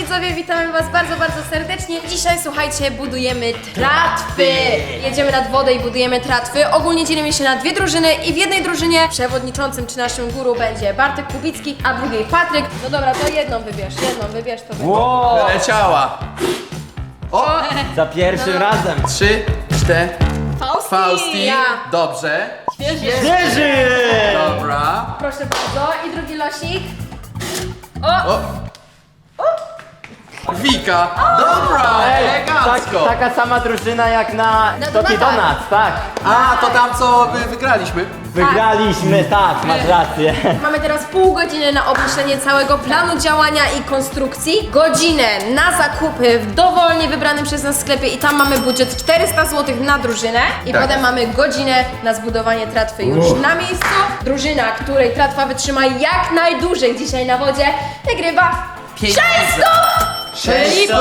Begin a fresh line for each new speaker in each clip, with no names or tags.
widzowie, witamy was bardzo, bardzo serdecznie. Dzisiaj, słuchajcie, budujemy tratwy. Jedziemy nad wodę i budujemy tratwy. Ogólnie dzielimy się na dwie drużyny i w jednej drużynie przewodniczącym czy naszym guru będzie Bartek Kubicki, a w drugiej Patryk. No dobra, to jedną wybierz to.
Wow!
Leciała! O!
Za pierwszym razem!
3, 4. Fausti.
Ja.
Dobrze.
Świeży!
Dobra.
Proszę bardzo. I drugi losik.
O! Wika. Dobra, elegancko.
Taka sama drużyna jak na Toki Donuts, tak.
A, to tam co wygraliśmy.
Wygraliśmy, tak, masz rację.
Mamy teraz pół godziny na obmyślenie całego planu działania i konstrukcji. Godzinę na zakupy w dowolnie wybranym przez nas sklepie i tam mamy budżet 400 zł na drużynę. I
Tak.
potem mamy godzinę na zbudowanie tratwy już na miejscu. Drużyna, której tratwa wytrzyma jak najdłużej dzisiaj na wodzie, wygrywa 600!
600.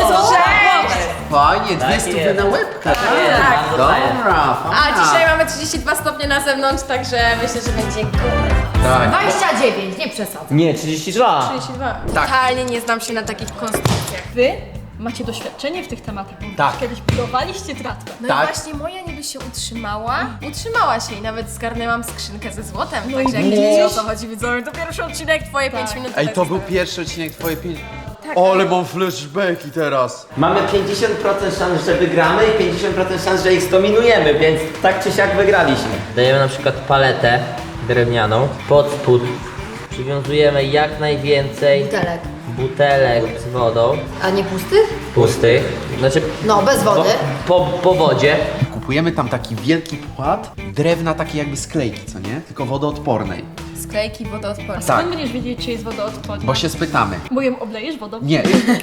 Fajnie, 200 na łebkę.
Tak.
Dobra,
A
fajna.
dzisiaj mamy 32 stopnie na zewnątrz, także myślę, że będzie góra.
Tak.
29, nie przesadzam.
Nie, 32.
32.
Tak.
Totalnie nie znam się na takich konstrukcjach.
Wy macie doświadczenie w tych tematach, bo
Tak.
kiedyś budowaliście tratwę.
No
Tak.
i właśnie moja niby się utrzymała się i nawet zgarnęłam skrzynkę ze złotem,
No
także
i
jak
widzisz?
wiecie o co chodzi, widzowie, to pierwszy odcinek, twoje 5 minut.
Ej,
tak
to był
jest.
pierwszy odcinek twoje 5. Ale mam flashbacki teraz.
Mamy 50% szans, że wygramy i 50% szans, że ich zdominujemy, więc tak czy siak wygraliśmy.
Dajemy na przykład paletę drewnianą, pod spód przywiązujemy jak najwięcej
Butelek.
butelek z wodą,
A nie pustych?
pustych, znaczy
No, bez wody.
po wodzie.
Kupujemy tam taki wielki płat drewna takiej jakby sklejki, co nie? Tylko wodoodpornej.
Sklejki wodoodporne.
Tak.
Skąd będziesz wiedzieć, czy jest wodoodporna?
Bo się spytamy.
Bo ją oblejesz wodą?
Nie.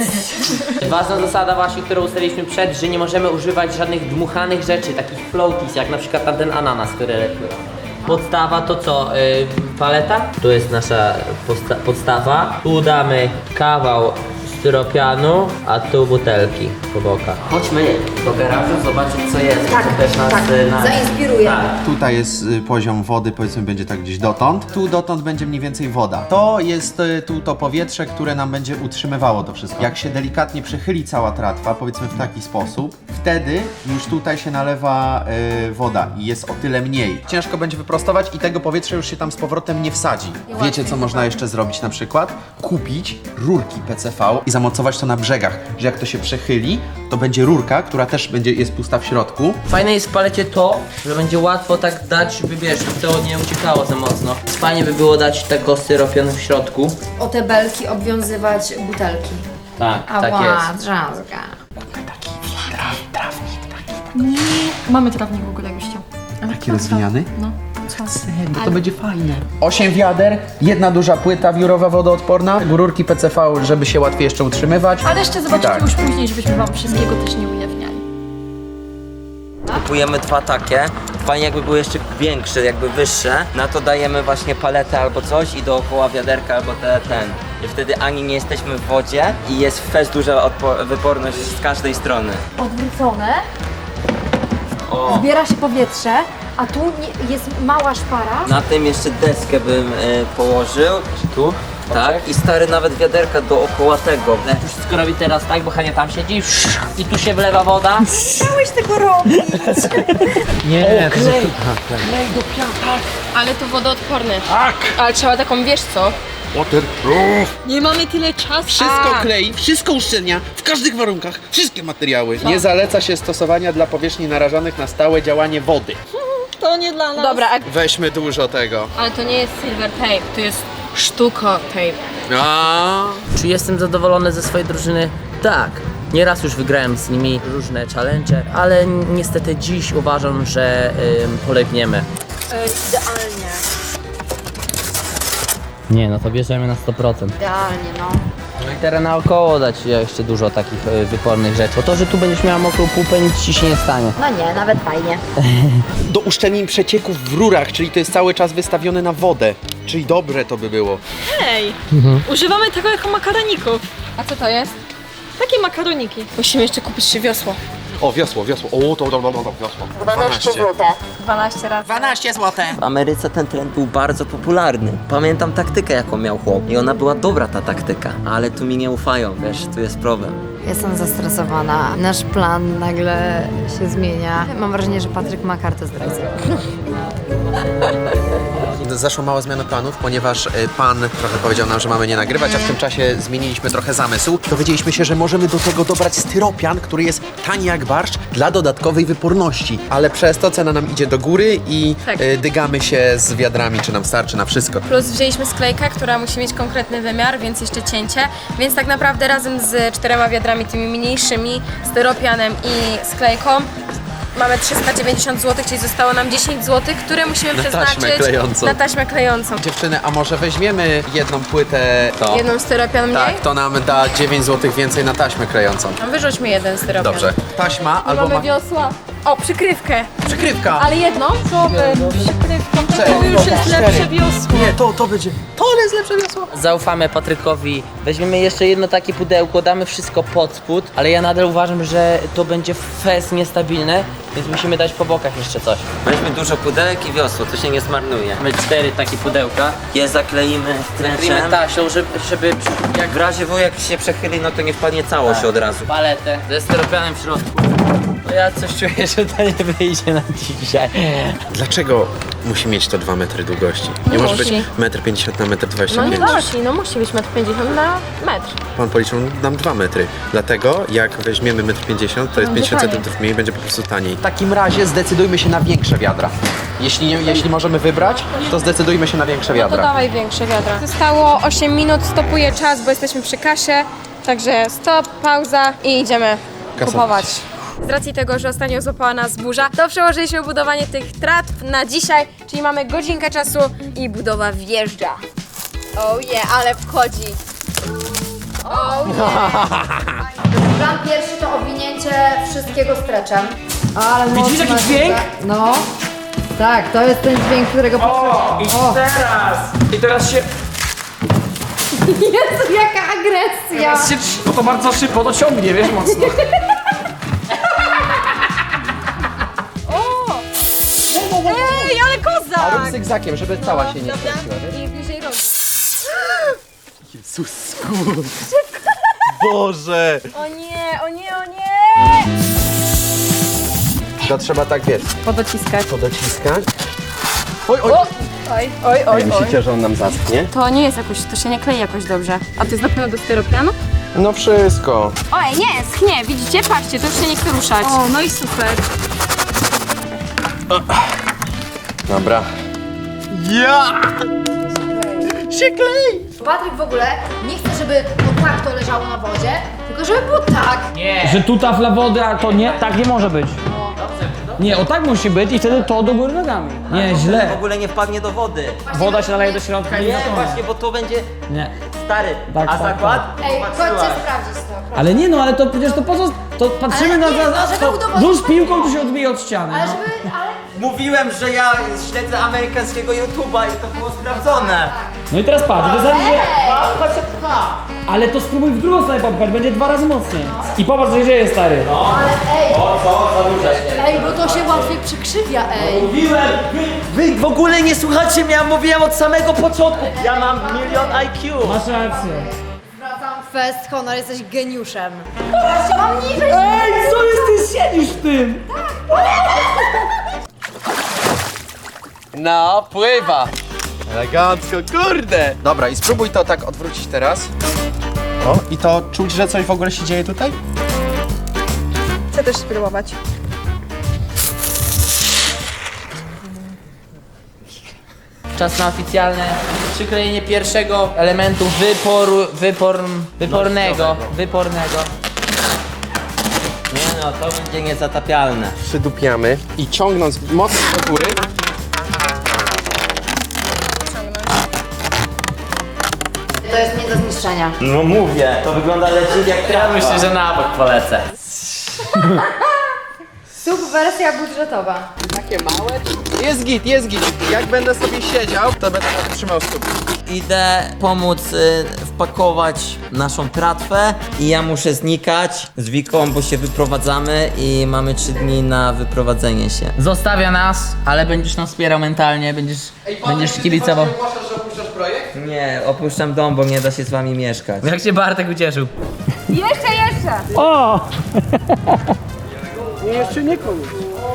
Ważna zasada właśnie, którą ustaliliśmy przed, że nie możemy używać żadnych dmuchanych rzeczy, takich floaties, jak na przykład tamten ananas, który lepiej. Podstawa to co? Paleta? Tu jest nasza podstawa. Tu damy kawał styropianu, a tu butelki po bokach. Chodźmy do garażu zobaczyć co jest.
Tak,
co też nas,
tak. Zainspiruje.
Tak.
Tutaj jest poziom wody, powiedzmy będzie tak gdzieś dotąd. Tu dotąd będzie mniej więcej woda. To jest tu to powietrze, które nam będzie utrzymywało to wszystko. Jak się delikatnie przechyli cała tratwa, powiedzmy w taki sposób, wtedy już tutaj się nalewa woda i jest o tyle mniej. Ciężko będzie wyprostować i tego powietrza już się tam z powrotem nie wsadzi. Wiecie co można jeszcze zrobić na przykład? Kupić rurki PCV i zamocować to na brzegach, że jak to się przechyli, to będzie rurka, która też jest pusta w środku.
Fajne jest w palecie to, że będzie łatwo tak dać, żeby wiesz, żeby to nie uciekało za mocno. Fajnie by było dać tego styropianu w środku.
O te belki obwiązywać butelki.
Tak, tak jest.
drzazga.
Mamy trawnik w ogóle, jakbyś chciał.
Taki rozwijany?
No.
Bo to będzie fajne. 8 wiader, jedna duża płyta wiórowa wodoodporna, rurki PCV, żeby się łatwiej jeszcze utrzymywać.
Ale jeszcze zobaczycie
Tak.
już później, żebyśmy wam wszystkiego też nie ujawniali.
Kupujemy dwa takie. Fajnie jakby były jeszcze większe, jakby wyższe. Na to dajemy właśnie paletę albo coś i dookoła wiaderka albo ten. I wtedy ani nie jesteśmy w wodzie i jest fest duża wyporność z każdej strony.
Odwrócone,
O!
zbiera się powietrze, a tu jest mała szpara.
Na tym jeszcze deskę bym położył. Tu? Tak, i stary nawet wiaderka dookoła tego. Już wszystko robi teraz tak, bo Hania tam siedzi i tu się wlewa woda.
Chciałeś tego robić.
Nie,
Ale to wodoodporne. Tak! Ale trzeba taką, wiesz co?
Nie mamy tyle czasu.
Wszystko klei, wszystko uszczelnia, w każdych warunkach, wszystkie materiały. Nie zaleca się stosowania dla powierzchni narażonych na stałe działanie wody.
To nie dla nas.
Dobra,
Weźmy dużo tego.
ale to nie jest silver tape, to jest sztuko tape.
Czy jestem zadowolony ze swojej drużyny? Tak. Nieraz już wygrałem z nimi różne challenge, ale niestety dziś uważam, że polegniemy.
Idealnie.
Nie, no to bierzemy na 100%.
Idealnie, no.
No i teraz naokoło dać jeszcze dużo takich wypornych rzeczy. Bo to, że tu będziesz miała mokrą pupę, nic ci się nie stanie.
No nie, nawet fajnie.
Do uszczelnień przecieków w rurach, czyli to jest cały czas wystawione na wodę. Czyli dobre to by było.
Ej, używamy tego jako makaroników.
A co to jest?
Takie makaroniki.
Musimy jeszcze kupić się wiosło.
O, wiosło. O, to wiosło. 12
12 razy.
12 zł.
W Ameryce ten trend był bardzo popularny. Pamiętam taktykę, jaką miał chłop. I ona była dobra, ta taktyka. Ale tu mi nie ufają, wiesz, tu jest problem.
Jestem zestresowana. Nasz plan nagle się zmienia. Mam wrażenie, że Patryk ma kartę zdrajcę.
Zaszła mała zmiana planów, ponieważ pan trochę powiedział nam, że mamy nie nagrywać, a w tym czasie zmieniliśmy trochę zamysł. Dowiedzieliśmy się, że możemy do tego dobrać styropian, który jest tani jak barszcz, dla dodatkowej wyporności. Ale przez to cena nam idzie do góry i
Tak.
dygamy się z wiadrami, czy nam starczy na wszystko.
Plus wzięliśmy sklejkę, która musi mieć konkretny wymiar, więc jeszcze cięcie. Więc tak naprawdę razem z 4 wiadrami, tymi mniejszymi, styropianem i sklejką mamy 390 zł, czyli zostało nam 10 zł, które musimy
Na taśmę
przeznaczyć
klejącą.
na taśmę klejącą.
Dziewczyny, a może weźmiemy jedną płytę, to...
Jedną styropian mniej?
Tak, to nam da 9 zł więcej na taśmę klejącą.
No, wyrzućmy jeden styropian.
Dobrze. Taśma albo
Mamy wiosła. O, przykrywkę.
przykrywka.
Ale jedną?
Przykrywką,
Cztery,
to już jest
cztery.
lepsze wiosło.
Nie, to będzie. To jest lepsze wiosło.
Zaufamy Patrykowi, weźmiemy jeszcze jedno takie pudełko, damy wszystko pod spód, ale ja nadal uważam, że to będzie fest niestabilne, więc musimy dać po bokach jeszcze coś.
Weźmy dużo pudełek i wiosło, to się nie zmarnuje.
Mamy 4 takie pudełka.
Je zakleimy
Zakryjmy
stręczem.
taśą, żeby jak
W razie W, jak się przechyli, no to nie wpadnie całość od razu.
paletę ze styropianem w środku. No ja coś czuję, że to nie wyjdzie na dzisiaj.
Dlaczego musi mieć to 2 metry długości? Nie może być
musi.
1,50 m na 1,25
No nie
m.
musi, no musi być 1,50 m na metr.
Pan policzył nam 2 metry. Dlatego jak weźmiemy 1,50 m, to jest 50
taniej.
cm mniej, będzie po prostu taniej. W takim razie zdecydujmy się na większe wiadra. Jeśli możemy wybrać, to zdecydujmy się na większe
No to
wiadra.
dawaj większe wiadra. Zostało 8 minut, stopuję czas, bo jesteśmy przy kasie. Także stop, pauza i idziemy
Kasować.
kupować. Z racji tego, że ostatnio złapała nas burza, to przełożyliśmy budowanie tych tratw na dzisiaj, czyli mamy godzinkę czasu i budowa wjeżdża. Oh yeah, ale wchodzi. Oh yeah.
Plan pierwszy to owinięcie wszystkiego streczem. Ale
Widzisz
mocno
jaki dźwięk?
No. Tak, to jest ten dźwięk, którego
O, i teraz! I teraz się,
Jezu, jaka agresja!
no to bardzo szybko to ciągnie, wiesz, mocno.
Ej, ale
A rób
kozak!
zygzakiem, żeby cała się nie skręciła, wiesz?
I bliżej rąk.
Jezus, Boże!
O nie, o nie, o nie!
To trzeba tak, wiesz,
Podociskać.
podociskać. Oj, oj!
Oj, oj, oj, oj.
Myślicie, że on nam zaschnie?
To nie jest jakoś, to się nie klei jakoś dobrze. A to jest na pewno do styropianu?
No wszystko.
Oj, nie, schnie, widzicie? Patrzcie, to już się nie chce ruszać.
O, no i super.
Dobra. Ja! Się klei!
Patryk w ogóle nie chce, żeby to tak to leżało na wodzie, tylko żeby było tak.
Że tu tafla wody, a to nie, tak nie może być. Nie, o tak musi być i wtedy to do góry nogami. Nie,
W
źle.
ogóle nie wpadnie do wody.
Woda się naleje do środka i
Nie,
zatona.
właśnie, bo to będzie
Nie.
stary.
Tak,
A
tak,
zakład?
Ej,
Popatrzyłaś.
chodźcie sprawdzić to.
Ale nie no, ale to przecież to po co? To patrzymy
Ale
na
nie, no, żeby
to
udowodnić-
rzuć piłką, to się odbije od ściany.
Ale
No.
żeby, ale...
Mówiłem, że ja śledzę amerykańskiego YouTube'a i to było sprawdzone.
No i teraz patrz, to ale to spróbuj w drugą stronę popchać, będzie 2 razy mocniej. I popatrz, co się dzieje, stary.
Ej, bo to się łatwiej przykrzywia, ej.
Mówiłem! Wy w ogóle nie słuchacie mnie, ja mówiłem od samego początku. Ja mam 1 000 000 IQ.
Masz rację.
Zwracam fest, honor, jesteś geniuszem.
Ej, co jest, ty siedzisz w tym?
No, pływa! Elegancko, kurde! Dobra, i spróbuj to tak odwrócić teraz. O, i to czuć, że coś w ogóle się dzieje tutaj?
Chcę też spróbować.
Czas na oficjalne przyklejenie pierwszego elementu wypornego.
Nie no, to będzie niezatapialne.
Przydupiamy i ciągnąc mocno do góry.
To jest nie do zniszczenia.
No mówię, to wygląda leciut jak
Ja
trawka.
myślę, że na bok polecę.
Subwersja budżetowa.
Takie małe. Jest git, jest git. Jak będę sobie siedział, to będę trzymał stóp.
Idę pomóc wpakować naszą tratwę i ja muszę znikać z Wiką, bo się wyprowadzamy i mamy 3 dni na wyprowadzenie się.
Zostawia nas, ale będziesz nas wspierał mentalnie, będziesz kibicował.
Ogłaszasz, że opuszczasz projekt?
Nie, opuszczam dom, bo nie da się z wami mieszkać.
Jak się Bartek ucieszył.
Jeszcze!
O!
Jeszcze nie koniec.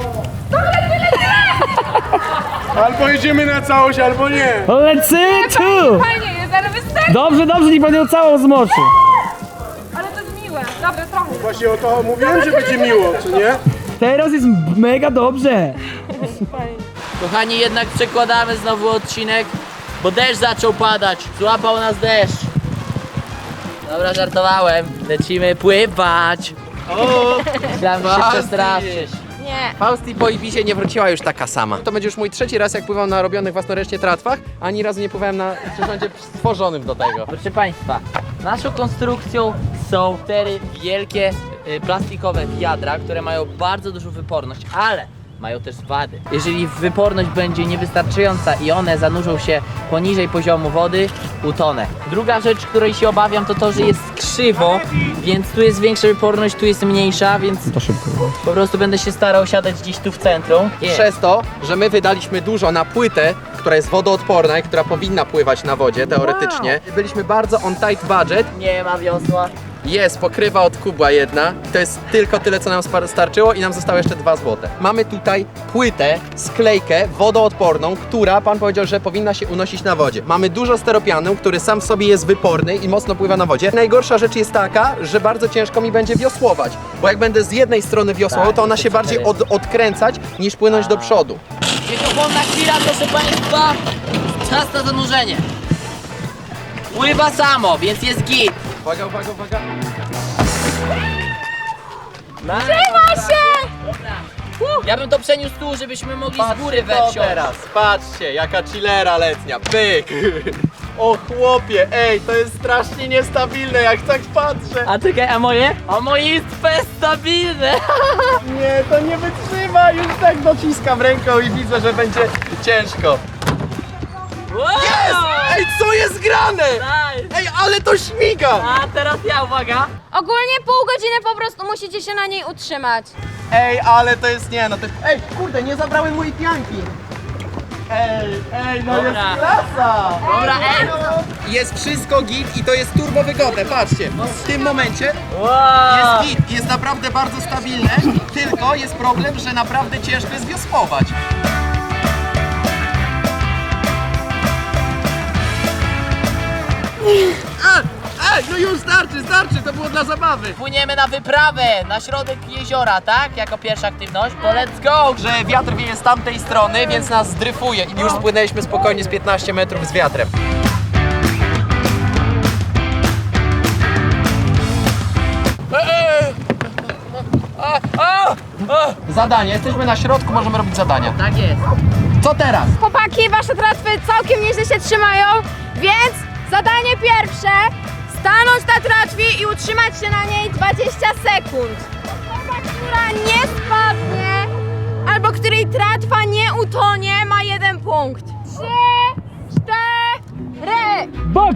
Albo jedziemy na całość, albo nie.
Lecę tu!
Fajnie jest, ale wystarczy!
Dobrze, niech pan ją całą zmoczy.
Ale to jest miłe. Dobra, trochę.
Właśnie o to mówiłem, że będzie miło, czy nie?
Teraz jest mega dobrze.
Kochani, jednak przekładamy znowu odcinek, bo deszcz zaczął padać. Złapał nas deszcz. Dobra, żartowałem. Lecimy pływać. Myślałem, że się przestraszysz.
Nie.
Fausti po Ibizie nie wróciła już taka sama. To będzie już mój 3. raz, jak pływam na robionych własnoręcznie tratwach. Ani razu nie pływałem na przyrządzie stworzonym do tego.
Proszę Państwa, naszą konstrukcją są 4 wielkie plastikowe wiadra, które mają bardzo dużą wyporność, ale mają też wady. Jeżeli wyporność będzie niewystarczająca i one zanurzą się poniżej poziomu wody, utonę. Druga rzecz, której się obawiam, to to, że jest krzywo, więc tu jest większa wyporność, tu jest mniejsza, więc po prostu będę się starał siadać gdzieś tu w centrum.
Przez to, że my wydaliśmy dużo na płytę, która jest wodoodporna i która powinna pływać na wodzie teoretycznie. Byliśmy bardzo on tight budget.
Nie ma wiosła.
Jest pokrywa od kubła jedna. To jest tylko tyle, co nam starczyło i nam zostało jeszcze 2 złote. Mamy tutaj płytę, sklejkę wodoodporną, która pan powiedział, że powinna się unosić na wodzie. Mamy dużo steropianu, który sam w sobie jest wyporny i mocno pływa na wodzie. Najgorsza rzecz jest taka, że bardzo ciężko mi będzie wiosłować, bo jak będę z jednej strony wiosłował, to ona się bardziej odkręcać niż płynąć do przodu.
Wiekopomna chwila, proszę Państwa. Czas na zanurzenie. Pływa samo, więc jest git.
Uwaga, uwaga, uwaga.
Trzyma się! Ja bym to przeniósł tu, żebyśmy mogli z góry wejść.
teraz, patrzcie, jaka chillera letnia, pyk! O chłopie, ej, to jest strasznie niestabilne, jak tak patrzę.
A czekaj, a moje? A moje jest stabilne.
Nie, to nie wytrzyma, już tak dociskam ręką i widzę, że będzie ciężko. Jest! Ej, co jest grane?
Nice.
Ej, ale to śmiga!
A teraz ja, uwaga.
Ogólnie pół godziny po prostu musicie się na niej utrzymać.
Ej, ale to jest, nie no, to jest... Ej, kurde, nie zabrałem mojej pianki. Ej, no
Dobra.
jest klasa!
Dobra, ej.
Jest wszystko git i to jest turbo wygodne, patrzcie. W tym momencie
Wow.
jest git, jest naprawdę bardzo stabilne, tylko jest problem, że naprawdę ciężko jest wiosłować. Ej, no już starczy, to było dla zabawy.
Płyniemy na wyprawę na środek jeziora, tak? Jako pierwsza aktywność. To let's go!
Że wiatr wieje z tamtej strony, więc nas zdryfuje i już spłynęliśmy spokojnie z 15 metrów z wiatrem. Zadanie, jesteśmy na środku, możemy robić zadania.
Tak jest.
Co teraz?
Chłopaki, wasze tratwy całkiem nieźle się trzymają, więc zadanie pierwsze, stanąć na tratwie i utrzymać się na niej 20 sekund. Osoba, która nie spadnie, albo której tratwa nie utonie, ma 1 punkt. 3, 4.
Box!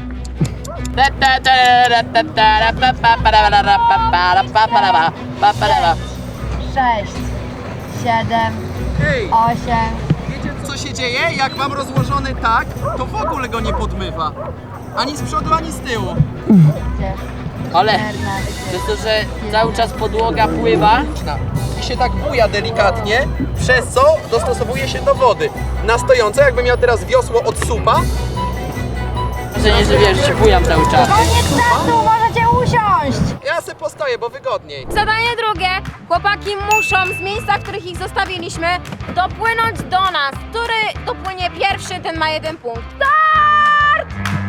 6, 7,
Ej,
8.
wiecie co się dzieje? Jak mam rozłożony tak, to w ogóle go nie podmywa. Ani z przodu, ani z tyłu.
Ale przez to, że cały czas podłoga pływa,
I się tak buja delikatnie, przez co dostosowuje się do wody. Na stojące, jakbym miał teraz wiosło od supa,
że nie, że wiesz, że się bujam cały czas.
Koniec czasu, możecie usiąść!
ja se postoję, bo wygodniej.
Zadanie drugie, chłopaki muszą z miejsca, w których ich zostawiliśmy, dopłynąć do nas. Który dopłynie pierwszy, ten ma 1 punkt. Start!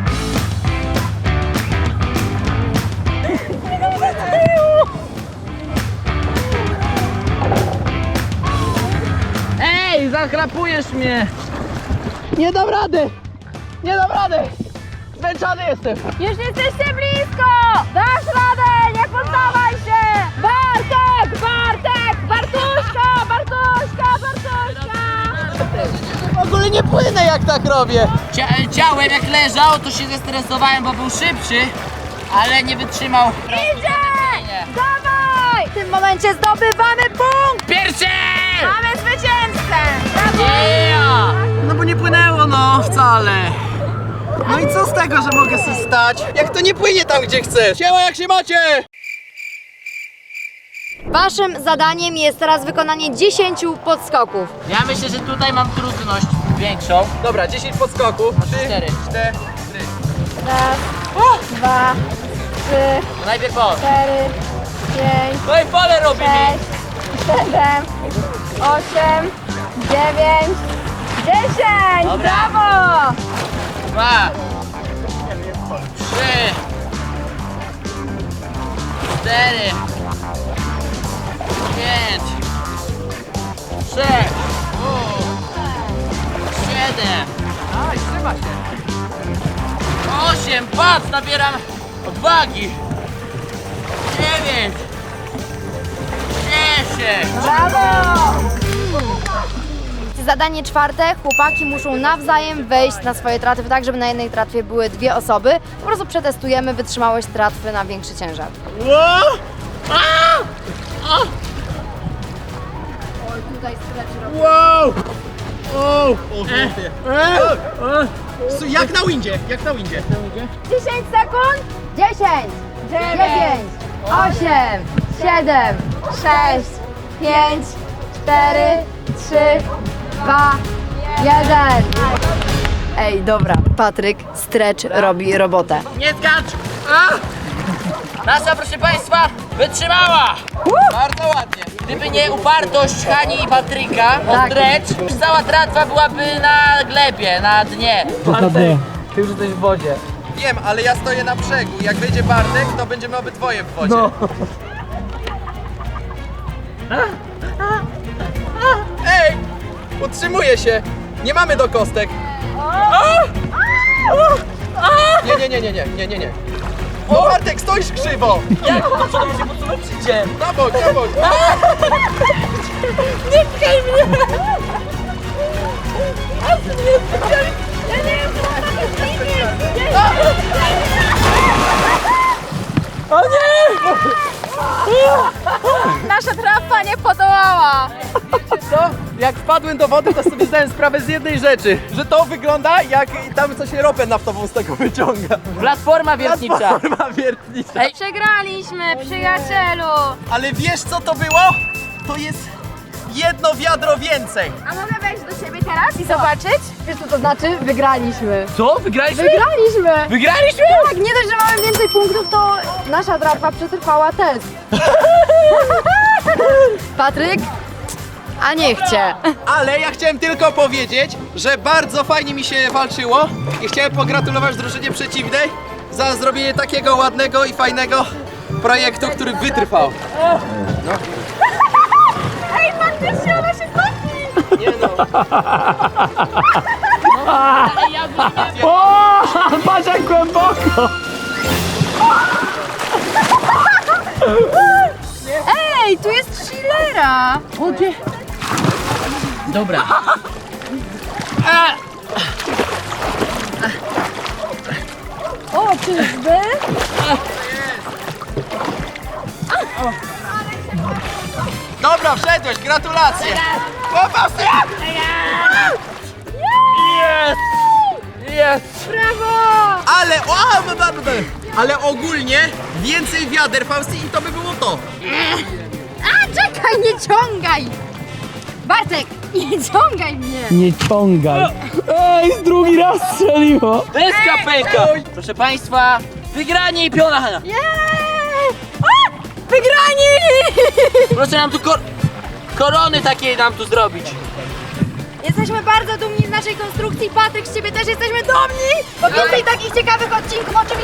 Ej, zachrapujesz mnie!
Nie dam rady! Nie dam rady! Zmęczony jestem!
Już jesteście blisko! Dasz radę! Nie poddawaj się! Bartek! Bartek! Bartuszka! Bartuszka! Bartuszka!
tak robię.
Ciałem jak leżał, to się zestresowałem, bo był szybszy, ale nie wytrzymał.
Idzie! Dawaj! W tym momencie zdobywamy punkt!
Pierwszy!
Mamy zwycięzcę! Brawo!
Yeah!
No bo nie płynęło, no, wcale. No i co z tego, że mogę sobie stać, jak to nie płynie tam, gdzie chcesz? Siema, jak się macie?
Waszym zadaniem jest teraz wykonanie 10 podskoków.
Ja myślę, że tutaj mam trudność większą.
Dobra, 10 podskoków.
4.
4.
Raz, dwa, trzy,
To najpierw on.
4, 5,
No i pole robi mi.
6, 7, 8, 9, 10!
Dobra.
Brawo!
2, 3, 4, 5, 6, 7. Aj, trzyma się. 8, patrz, nabieram odwagi. 9, 10.
Brawo!
Zadanie czwarte. Chłopaki muszą nawzajem wejść na swoje tratwy, tak żeby na jednej tratwie były 2 osoby. Po prostu przetestujemy wytrzymałość tratwy na większy ciężar. Oj, tutaj stretch robi.
Wow! O chłopie. Jak na windzie, jak na windzie.
10 sekund!
10, 9, 8, 7, 6, 5, 4, 3, 2, 1. Ej, dobra, Patryk, stretch robi robotę.
Nie skacz! Nasza, proszę Państwa, wytrzymała!
Bardzo ładnie.
Gdyby nie upartość Hani i Patryka o
Tak.
stretch, cała tratwa byłaby na glebie, na dnie.
Dokładnie.
Ty już jesteś w wodzie.
Wiem, ale ja stoję na brzegu. Jak wyjdzie Bartek, to będziemy obydwoje w wodzie.
No.
Ej! Utrzymuję się! Nie mamy do kostek! Nie. O, Bartek, stoisz krzywo!
Jak? To co się podsuwacie?
Na bok, na bok!
Nasza trafa nie podołała!
Co? Jak wpadłem do wody, to sobie zdałem sprawę z jednej rzeczy, że to wygląda jak tam coś ropę naftową z tego wyciąga.
Platforma wiertnicza.
Platforma wiertnicza.
Przegraliśmy, przyjacielu!
Ale wiesz co to było? To jest jedno wiadro więcej.
A mogę wejść do ciebie teraz i zobaczyć?
Wiesz co to znaczy? Wygraliśmy.
Co? Wygraliśmy?
Wygraliśmy!
Wygraliśmy?
Tak, nie dość, że mamy więcej punktów, to nasza tratwa przetrwała test. Patryk? A niech cię.
Ale ja chciałem tylko powiedzieć, że bardzo fajnie mi się walczyło i chciałem pogratulować drużynie przeciwnej za zrobienie takiego ładnego i fajnego projektu, który wytrwał.
Ej, faktycznie ona się topi!
Nie no.
O! Patrz jak głęboko!
Ej, tu jest chillera.
Dobra.
O, czyżby?
Dobra, wszedłeś, gratulacje! Chłopcy!
Jest!
Ale ogólnie więcej wiader, Fausty, i to by było to.
A, czekaj, nie ciągaj. Bartek, nie ciągaj mnie.
Nie ciągaj. Ej, drugi raz strzeliło.
Deska pęka! Proszę Państwa, wygranie i piona Hania.
Wygrani!
Proszę nam tu korony takie nam tu zrobić.
Jesteśmy bardzo dumni z naszej konstrukcji. Patryk, z ciebie też jesteśmy dumni, bo więcej takich ciekawych odcinków oczywiście